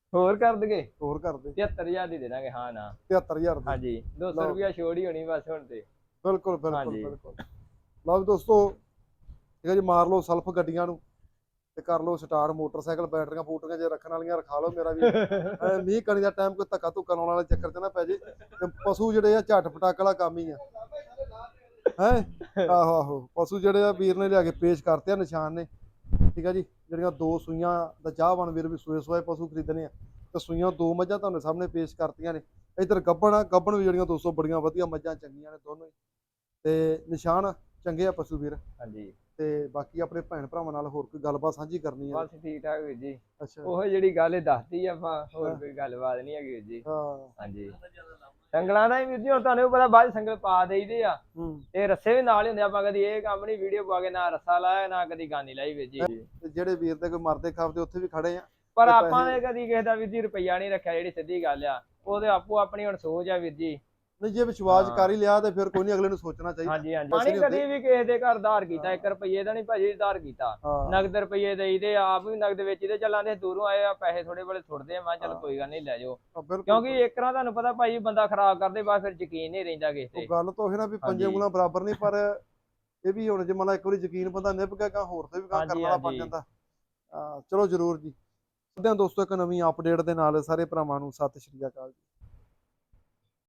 Speaker 2: ਹੋਰ ਕਰ ਦਗੇ
Speaker 1: ਹੋਰ ਕਰ ਦੇ
Speaker 2: ਤਿਹੱਤਰ ਹਜ਼ਾਰ ਦੀ ਦੇ ਦਾਂਗੇ ਹਾਂ ਨਾ
Speaker 1: ਤਿਹੱਤਰ ਹਜ਼ਾਰ ਦੀ
Speaker 2: ਹਾਂਜੀ ਦੋ ਸੌ
Speaker 1: ਲਓ।
Speaker 2: ਰੁਪਿਆ ਛੋੜ ਹੀ ਹੋਣੀ ਬਸ ਹੁਣ ਤੇ
Speaker 1: ਬਿਲਕੁਲ ਬਿਲਕੁਲ
Speaker 2: ਹਾਂਜੀ।
Speaker 1: ਬਿਲਕੁਲ ਲਓ ਵੀ ਦੋਸਤੋ ਠੀਕ ਹੈ ਜੀ, ਮਾਰ ਲਓ ਸਲਫ ਗੱਡੀਆਂ ਨੂੰ ਤੇ ਕਰ ਲਓ ਸਟਾਰਟ, ਮੋਟਰਸਾਈਕਲ ਬੈਟਰੀਆਂ ਬੂਟਰੀਆਂ ਜੇ ਰੱਖਣ ਵਾਲੀਆਂ ਰਖਾ ਲਓ ਮੇਰਾ ਵੀ। ਐ ਮੀਂਹ ਕਣੀ ਦਾ ਟਾਈਮ ਕੋਈ ਧੱਕਾ ਧੁੱਕਾ ਲਾਉਣ ਵਾਲੇ ਚੱਕਰ 'ਚ ਨਾ ਪੈ ਜੇ, ਤੇ ਪਸ਼ੂ ਜਿਹੜੇ ਆ ਝੱਟ ਪਟਾਕ ਵਾਲਾ ਕੰਮ ਹੀ ਆ ਹੈ। ਆਹੋ ਆਹੋ ਪਸ਼ੂ ਜਿਹੜੇ ਆ ਵੀਰ ਨੇ ਲਿਆ ਕੇ ਪੇਸ਼ ਕਰਤੇ ਆ ਨਿਸ਼ਾਨ ਨੇ, ਠੀਕ ਆ ਜੀ। ਜਿਹੜੀਆਂ ਦੋ ਸੂਈਆਂ ਦਾ ਚਾਹਵਾਨ ਵੀਰ ਵੀ ਸੂਏ ਸੂਏ ਪਸ਼ੂ ਖਰੀਦਣੇ ਆ, ਤੇ ਸੂਈਆਂ ਦੋ ਮੱਝਾਂ ਤੁਹਾਨੂੰ ਸਾਹਮਣੇ ਪੇਸ਼ ਕਰਤੀਆਂ ਨੇ। ਇੱਧਰ ਗੱਬਣ ਆ, ਗੱਬਣ ਵੀ ਜਿਹੜੀਆਂ ਦੋਸਤੋ ਬੜੀਆਂ ਵਧੀਆ ਮੱਝਾਂ ਚੰਗੀਆਂ ਨੇ ਦੋਨੋਂ ਹੀ, ਤੇ ਨਿਸ਼ਾਨ ਚੰਗੇ ਆ ਪਸ਼ੂ ਵੀਰ।
Speaker 2: ਹਾਂਜੀ
Speaker 1: ਤੇ ਬਾਕੀ ਆਪਣੇ ਭੈਣ ਭਰਾਵਾਂ ਨਾਲ ਹੋਰ ਕੋਈ ਗੱਲਬਾਤ ਸਾਂਝੀ ਕਰਨੀ ਆ?
Speaker 2: ਬਸ ਠੀਕ ਠਾਕ ਵੀਰ ਜੀ,
Speaker 1: ਅੱਛਾ
Speaker 2: ਉਹ ਜਿਹੜੀ ਗੱਲ ਇਹ ਦੱਸਦੀ ਆਪਾਂ, ਹੋਰ
Speaker 1: ਹਾਂ।
Speaker 2: ਕੋਈ ਗੱਲਬਾਤ ਨਹੀਂ ਹੈਗੀ ਵੀਰ ਜੀ।
Speaker 1: ਹਾਂ
Speaker 2: ਹਾਂਜੀ ਸੰਗਲਾਂ ਦਾ ਹੀ ਵੀਰ ਜੀ ਹੁਣ ਤੁਹਾਨੂੰ ਵੀ ਪਤਾ ਬਾਅਦ ਸੰਗਲ ਪਾ ਦੇਈਦੇ ਆ,
Speaker 1: ਹੂੰ।
Speaker 2: ਤੇ ਰੱਸੇ ਵੀ ਨਾਲ ਹੀ ਹੁੰਦੇ, ਆਪਾਂ ਕਦੀ ਇਹ ਕੰਮ ਨਹੀਂ ਵੀਡੀਓ ਪਾ ਕੇ ਨਾ ਰੱਸਾ ਲਾਇਆ ਨਾ ਕਦੀ ਗਾਨੀ ਲਾਈ ਵੀਰ ਜੀ।
Speaker 1: ਤੇ ਜਿਹੜੇ ਵੀਰ ਦੇ ਕੋਈ ਮਰਦੇ ਖਾਪਦੇ ਉੱਥੇ ਵੀ ਖੜੇ ਆ,
Speaker 2: ਪਰ
Speaker 1: ਤੇ
Speaker 2: ਆਪਾਂ
Speaker 1: ਪੈਸੇ-
Speaker 2: ਨੇ ਕਦੀ ਕਿਸੇ ਦਾ ਵੀਰ ਜੀ ਰੁਪਈਆ ਨਹੀਂ ਰੱਖਿਆ, ਜਿਹੜੀ ਸਿੱਧੀ ਗੱਲ ਆ। ਉਹਦੇ ਆਪੋ ਆਪਣੀ ਹੁਣ ਸੋਚ ਆ ਵੀਰ ਜੀ।
Speaker 1: ਨਹੀਂ ਜੇ ਵਿਸ਼ਵਾਸ
Speaker 2: ਹਾਂ।
Speaker 1: ਕਰ ਹੀ ਲਿਆ ਤੇ ਫਿਰ ਕੋਈ ਨਹੀਂ, ਅਗਲੇ ਨੂੰ ਸੋਚਣਾ ਚਾਹੀਦਾ।
Speaker 2: ਹਾਂਜੀ ਹਾਂਜੀ
Speaker 1: ਪੈਸੇ
Speaker 2: ਪਾਣੀ
Speaker 1: ਨਹੀਂ
Speaker 2: ਕਦੀ
Speaker 1: ਹੁੰਦੇ।
Speaker 2: ਵੀ ਕਿਸੇ ਦੇ ਘਰ ਧਾਰ ਕੀਤਾ ਇੱਕ ਰੁਪਈਏ ਦਾ ਨਹੀਂ ਭਾਜੀ ਧਾਰ ਕੀਤਾ,
Speaker 1: ਹਾਂ
Speaker 2: ਨਗਦ ਰੁਪਈਏ ਦੇਈਦੇ, ਆਪ ਵੀ ਨਗਦ ਵੇਚੀਦੇ। ਚੱਲਾਂਦੇ ਦੂਰੋਂ ਆਏ ਆ, ਪੈਸੇ ਥੋੜੇ ਬੜੇ ਛੁੱਟਦੇ ਆ, ਮੈਂ ਕਿਹਾ ਚੱਲ
Speaker 1: ਹਾਂ।
Speaker 2: ਕੋਈ ਗੱਲ ਨਹੀਂ ਲੈ ਜਾਓ,
Speaker 1: ਹਾਂ, ਬਿਲਕੁਲ
Speaker 2: ਕਿਉਂਕਿ ਇੱਕ ਤਰ੍ਹਾਂ ਤੁਹਾਨੂੰ ਪਤਾ ਭਾਜੀ ਬੰਦਾ ਖਰਾਬ ਕਰਦੇ ਬਾਅਦ ਫਿਰ ਯਕੀਨ ਨਹੀਂ ਰਹਿੰਦਾ ਕਿਸੇ
Speaker 1: ਉਹ
Speaker 2: ਤੇ।
Speaker 1: ਗੱਲ ਤਾਂ ਉਹ ਨਾ ਵੀ ਪੰਜੇ
Speaker 2: ਹਾਂਜੀ।
Speaker 1: ਉਂਗਲਾਂ ਬਰਾਬਰ ਨਹੀਂ, ਪਰ ਇਹ ਵੀ ਹੁਣ ਜੇ ਮੰਨ ਲਾ ਇੱਕ ਵਾਰੀ ਯਕੀਨ ਬੰਦਾ ਨਿਭ ਗਿਆ ਗਾ, ਹੋਰ ਤੇ ਵੀ ਕੰਮ ਕਰਨ
Speaker 2: ਹਾਂਜੀ
Speaker 1: ਵਾਲਾ ਬਣ
Speaker 2: ਹਾਂਜੀ
Speaker 1: ਜਾਂਦਾ। ਆ ਚਲੋ ਜਰੂਰ ਜੀ। ਦੋਸਤੋ ਇੱਕ ਨਵੀਂ ਅਪਡੇਟ ਦੇ ਨਾਲ ਸਾਰੇ ਭਰਾਵਾਂ ਨੂੰ ਸਤਿ ਸ਼੍ਰੀ ਅਕਾਲ ਜੀ।